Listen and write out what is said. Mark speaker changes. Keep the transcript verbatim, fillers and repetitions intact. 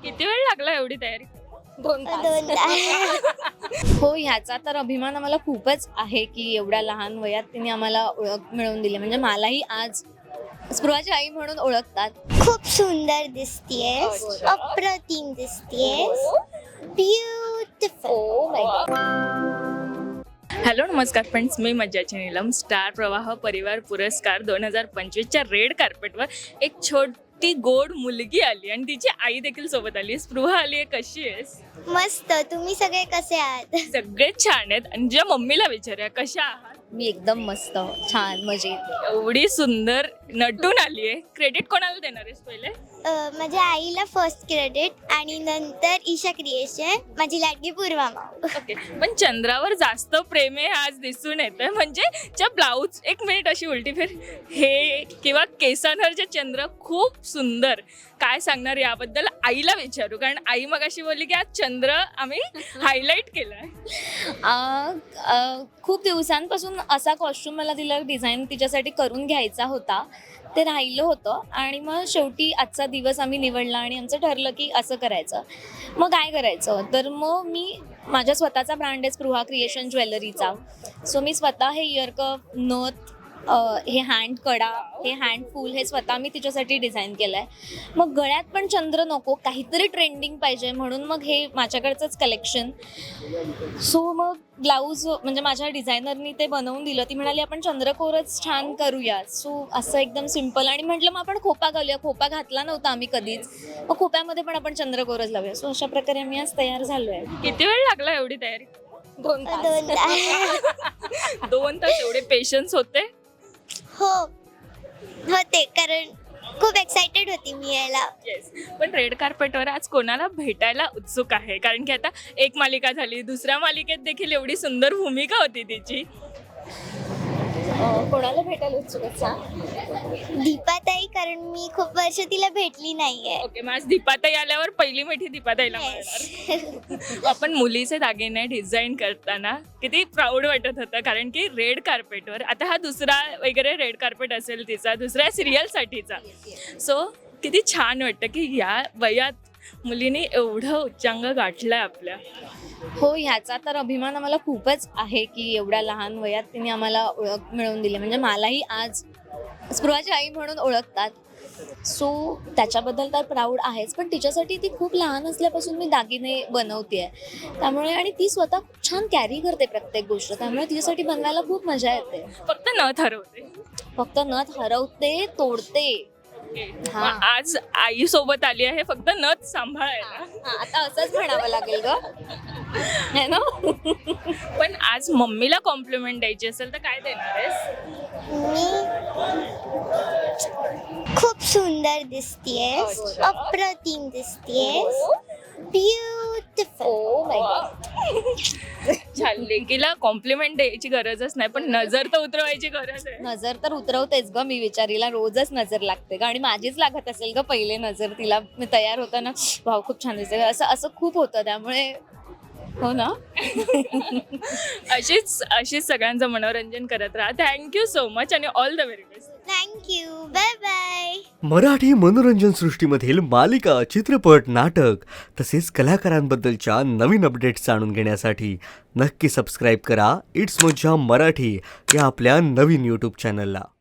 Speaker 1: किती वेळ लागला एवढी तयारी?
Speaker 2: दोन
Speaker 3: दोन तास.
Speaker 2: हो, ह्याचा तर अभिमान आम्हाला खूपच आहे की एवढ्या लहान वयात तिने आम्हाला ओळख मिळवून दिली. म्हणजे मलाही आज स्पृहाची आई म्हणून ओळखतात.
Speaker 3: खूप सुंदर दिसतेस, अप्रतिम दिसतेस, ब्युटिफुल.
Speaker 1: हॅलो नमस्कार फ्रेंड्स, मी मज्जाची नीलम. स्टार प्रवाह परिवार पुरस्कार दोन हजार पंचवीसच्या रेड कार्पेटवर एक छोटी गोड मुलगी आली आणि तिची आई देखील सोबत आली. स्पृहा आली आहे, कशी आहेस?
Speaker 3: मस्त. तुम्ही सगळे कसे आहात?
Speaker 1: सगळे छान आहेत. आणि ज्या मम्मीला विचारूया, कशा आहात?
Speaker 2: मी एकदम मस्त, छान, मजेत.
Speaker 1: एवढी सुंदर नटून आली आहे. क्रेडिट कोणाला देणार आहेस पहिले?
Speaker 3: अ, माझ्या आईला फर्स्ट क्रेडिट आणि नंतर ईशा क्रिएशन, माझी लाडकी पूर्वा माऊ.
Speaker 1: ओके, पण चंद्रावर जास्त प्रेम आहे आज दिसून येतं. म्हणजे त्या ब्लाऊज, एक मिनिट अशी उलटी फिर, हे किंवा केसांवरचे चंद्र खूप सुंदर. काय सांगणार याबद्दल? आईला विचारू, कारण आई मग अशी बोलली की आज चंद्र आम्ही हायलाईट केलाय.
Speaker 2: आ, आ, खूप दिवसांपासून असा कॉस्ट्युम मला तिला डिझाईन तिच्यासाठी करून घ्यायचा होता. ते राहिलं होतं आणि मग शेवटी आजचा दिवस आम्ही निवडला आणि आमचं ठरलं की असं करायचं. मग काय करायचं, तर मग मी माझ्या स्वतःचा ब्रँड आहे स्पृहा क्रिएशन ज्वेलरीचा. सो मी स्वतः हे इयरकप, नथ, हे हँड कडा, हे हँड फूल, हे स्वतः मी तिच्यासाठी डिझाईन केलं आहे. मग गळ्यात पण चंद्र नको, काहीतरी ट्रेंडिंग पाहिजे, म्हणून मग हे माझ्याकडचंच कलेक्शन. सो मग ब्लाऊज म्हणजे माझ्या डिझायनरनी ते बनवून दिलं. ती म्हणाली आपण चंद्रकोरच छान करूया. सो असं एकदम सिम्पल. आणि म्हटलं मग आपण खोपा घालूया. खोपा घातला नव्हता आम्ही कधीच, मग खोप्यामध्ये पण आपण चंद्रकोरच लावूया. सो अशा प्रकारे आम्ही आज तयार झालो आहे.
Speaker 1: किती वेळ लागला एवढी तयारी?
Speaker 2: दोन
Speaker 3: दोन तास.
Speaker 1: दोन तास. एवढे पेशन्स होते?
Speaker 3: हो होते, कारण खूप एक्साइटेड होती मी यायला.
Speaker 1: येस. पण रेड कार्पेटवर आज कोणाला भेटायला उत्सुक आहे? कारण की आता एक मालिका झाली, दुसऱ्या मालिकेत देखील एवढी सुंदर भूमिका होती तिची.
Speaker 2: कोणाला भेटायला उत्सुक आहे?
Speaker 3: दीपाताई, कारण मी खूप वर्ष तिला भेटली नाहीये.
Speaker 1: ओके, मग आज दीपाताई आल्यावर पहिली मिठी दीपाताईला मिळणार. आपण मुलीचे दागिने डिझाईन करताना किती प्राऊड वाटत होतं, कारण की रेड कार्पेटवर आता हा दुसरा वगैरे रेड कार्पेट असेल तिचा, दुसऱ्या सिरियलसाठीचा. सो किती छान वाटतं की या वयात मुलीने एवढं उच्चांक गाठलाय आपल्या.
Speaker 2: हो, ह्याचा तर अभिमान आम्हाला खूपच आहे की एवढ्या लहान वयात तिने आम्हाला ओळख मिळवून दिली. म्हणजे मलाही आज स्पृहाची आई म्हणून ओळखतात. सो त्याच्याबद्दल तर प्राऊड आहेच, पण तिच्यासाठी ती खूप लहान असल्यापासून मी दागिने बनवते. त्यामुळे आणि ती स्वतः खूप छान कॅरी करते प्रत्येक गोष्ट, त्यामुळे तिच्यासाठी बनवायला खूप मजा येते.
Speaker 1: फक्त न ठरवते.
Speaker 2: फक्त नथ हरवते, तोडते.
Speaker 1: मग आज आई सोबत आली आहे फक्त नथ सांभाळायला.
Speaker 2: हा, आता असंच म्हणावं लागेल ग, है ना?
Speaker 1: पण आज मम्मीला कॉम्प्लिमेंट द्यायची असेल तर काय देणार आहेस?
Speaker 3: मी खूप सुंदर दिसतेस, अप्रतिम दिसतेस, ब्युटिफुल.
Speaker 1: छान. लेकीला कॉम्प्लिमेंट द्यायची गरजच नाही, पण नजर तर उतरवायची गरज आहे.
Speaker 2: नजर तर उतरवतेच ग मी, विचारीला रोजच नजर लागते ग. आणि माझीच लागत असेल ग पहिले नजर तिला. मी तयार होताना भाऊ खूप छान दिसते, असं असं खूप होतं. त्यामुळे हो ना.
Speaker 1: अशीच अशीच सगळ्यांचं मनोरंजन करत राहा. थँक्यू सो मच आणि all the very best.
Speaker 3: Thank you. Bye bye.
Speaker 4: Marathi मनोरंजन सृष्टीमधील मालिका, चित्रपट, नाटक तसेच कलाकारांबद्दलच्या नवीन अपडेट्स जाणून घेण्यासाठी नक्की सबस्क्राईब करा इट्स मज्जा मराठी या आपल्या नवीन यूट्यूब चॅनलला.